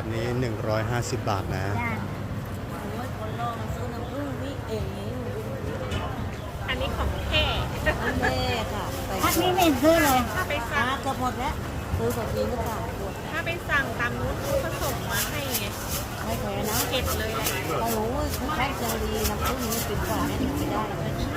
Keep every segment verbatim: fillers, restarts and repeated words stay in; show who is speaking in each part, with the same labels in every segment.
Speaker 1: นี้หนึ่งร้อยห้าสิบบาทนะ
Speaker 2: จ้าโอ้ยคนลองซื้อน้ำผึ้งวิเอง
Speaker 3: อันนี้ของแท้
Speaker 2: แม่ค่ะพักนี้ไม่ซื้อเลย
Speaker 3: ถ้าไป
Speaker 2: หา
Speaker 3: สั่ง
Speaker 2: เกือบหมดแล้วซื้อแบบนี้ก็จ่ายหมด
Speaker 3: ถ้าไปสั่งตามนู้นเขาก็ส่งมาให้ไง
Speaker 2: ไม่แพงนะ
Speaker 3: เก็บเลยแหละ
Speaker 2: เรารู้ว่าแพ็คจะดีน้ำผึ้งนี้กินกว่าเนี่ยไม่ได้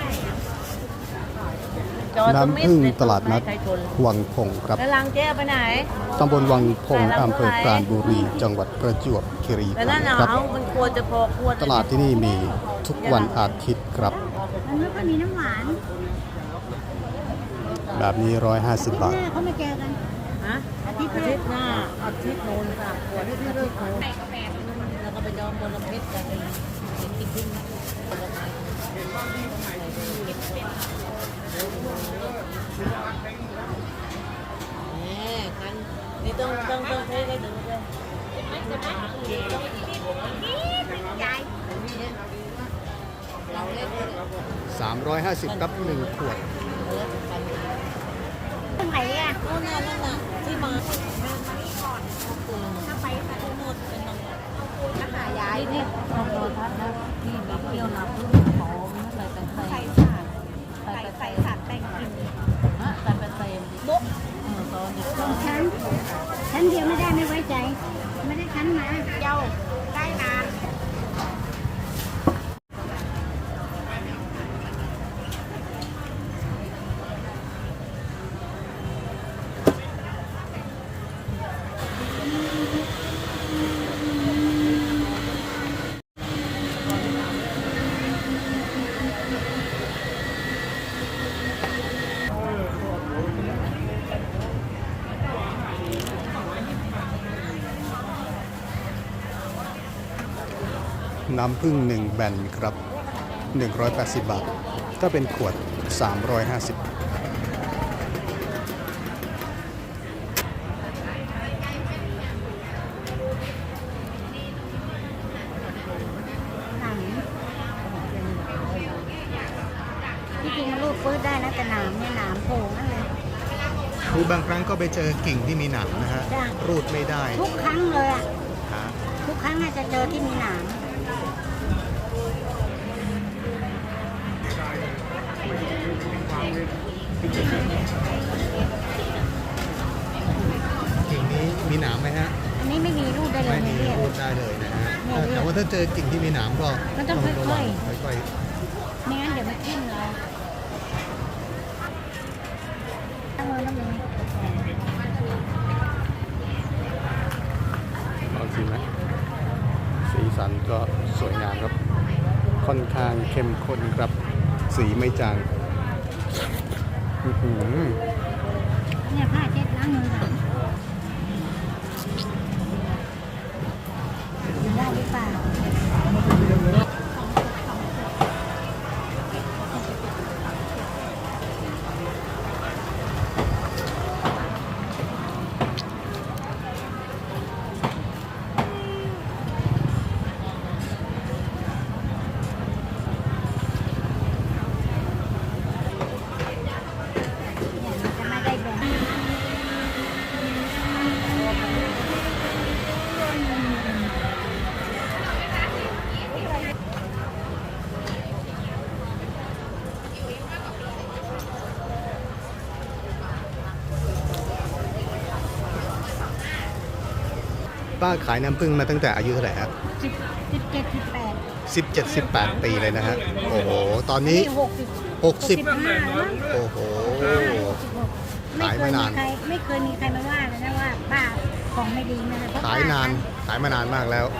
Speaker 1: น้ำผึ้งตลาดนัดวังพงครับ
Speaker 2: แล้วลังเจ๊ไปไหน
Speaker 1: ตำบลวังพงอำเภอปราณบุรี จังหวัดประจวบคีรี
Speaker 2: แล้ว
Speaker 1: ขั
Speaker 2: นั่
Speaker 1: น
Speaker 2: น
Speaker 1: ธ์
Speaker 2: เอา
Speaker 1: ครับ
Speaker 2: มันควรจะพอควร
Speaker 1: ตลาดที่นี่มีทุกวันอาทิตย์ครับ
Speaker 2: มันไม่ค่อยมีน้ำหวาน
Speaker 1: แบบนี้ร้อยห้าสิบบาท
Speaker 2: เขาไม่แกกันฮะอาทิตย์อาทิตย์หน้าอาทิตย์โน้นค่ะขวดอาทิตย์โน้นแล้วก็ไปจองบนลำเพชรกันเป็นติ๊กติ๊กนี่กันนี่ต้องต้องต้องเทให้ถึงเลยเราเล่น
Speaker 1: สามร้อยห้าสิบครับหนึ่งขวด
Speaker 2: ตรงไหนอ่ะโน่นน่ะนั่นน่ะที่มาถ้าไปค่ะทั้งหมดเป็นน้องถ้าหายายนี่ลองโดนทัดนะที่มีเที่ยวน้ำพึ่งหอมอะไรแต่ใส่ใส่สารใส่ใส่สารแต่งกลิ่นฮะใส่เป็นเต็มบุ๊กตอนเด็กตอนชั้นชั้นเดียวไม่ได้ไม่ไว้ใจไม่ได้ชั้นมาเย้าได้นาน
Speaker 1: น้ำผึ้งหนึ่งแบนครับหนึ่งร้อยแปดสิบบาท ถ้าเป็นขวดสามร้อยห้าสิบ
Speaker 2: ที่จริงมันรูดปื้ดได้นะแต่หนามเนี่ยหนามโผล่นั่นเลย
Speaker 1: คือบางครั้งก็ไปเจอกิ่งที่มีหนามนะฮะ
Speaker 2: จ้ะ
Speaker 1: รูดไม่ได้
Speaker 2: ทุกครั้งเลยอ่ะ
Speaker 1: ฮะ
Speaker 2: ทุกครั้งน่าจะเจอที่มีหนาม
Speaker 1: กิ่งนี้มีหนามไหมฮะ
Speaker 2: อันนี้ไม่มีรูดได้เลย
Speaker 1: ไม่มี
Speaker 2: เนี่ย
Speaker 1: รูดได้เลยนะฮะ
Speaker 2: เนี่ย
Speaker 1: แต่ว่าถ้าเจอกิ่งที่มีหนามก็
Speaker 2: มันต้องค่อยๆ
Speaker 1: ระวังค่อย
Speaker 2: ไม่งั้นเดี๋ยวมันทิ่มเราตั้งมือน้ำมือ
Speaker 1: ๆลองชิมไหมสีสันก็สวยงามครับ ค่อนข้างเข้มข้นครับ สีไม่จางอื้อหือ
Speaker 2: เนี่ยผ้าเช็ดล้างมือหน่อยได้หรือเปล่า เนี่ยมันจะไม่ได้แบ่ง
Speaker 1: ป้าขายน้ำผึ้งมาตั้งแต่อายุเท่าไหร่ครับ
Speaker 2: สิบสิบเจ็ดสิบแปด
Speaker 1: สิบเจ็ดสิบแปดปีเลยนะฮะ โอ้โห ตอนนี้
Speaker 2: หกสิบ
Speaker 1: หกสิบ
Speaker 2: ห้ามั้ง
Speaker 1: โอ้โห
Speaker 2: ไม่
Speaker 1: ขาย
Speaker 2: เค
Speaker 1: มาย นาน
Speaker 2: มีใครไม่เคยมีใครมาว่าเลยนะว่าป้าของไม่ดีนะเพระ
Speaker 1: ขายนาน ขายมานานมากแล้ว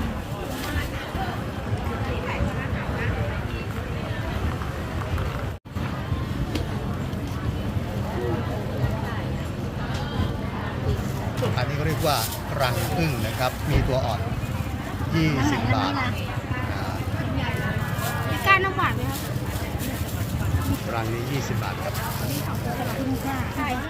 Speaker 1: อันนี้ก็เรียกว่ารังผึ้งนะครับ มีตัวอ่อน ยี่สิบบาทอ่า
Speaker 2: มีก้านน้ำหวานไหมครับ
Speaker 1: รังนี้ยี่สิบบาทครับ
Speaker 2: ขอบคุณค่ะ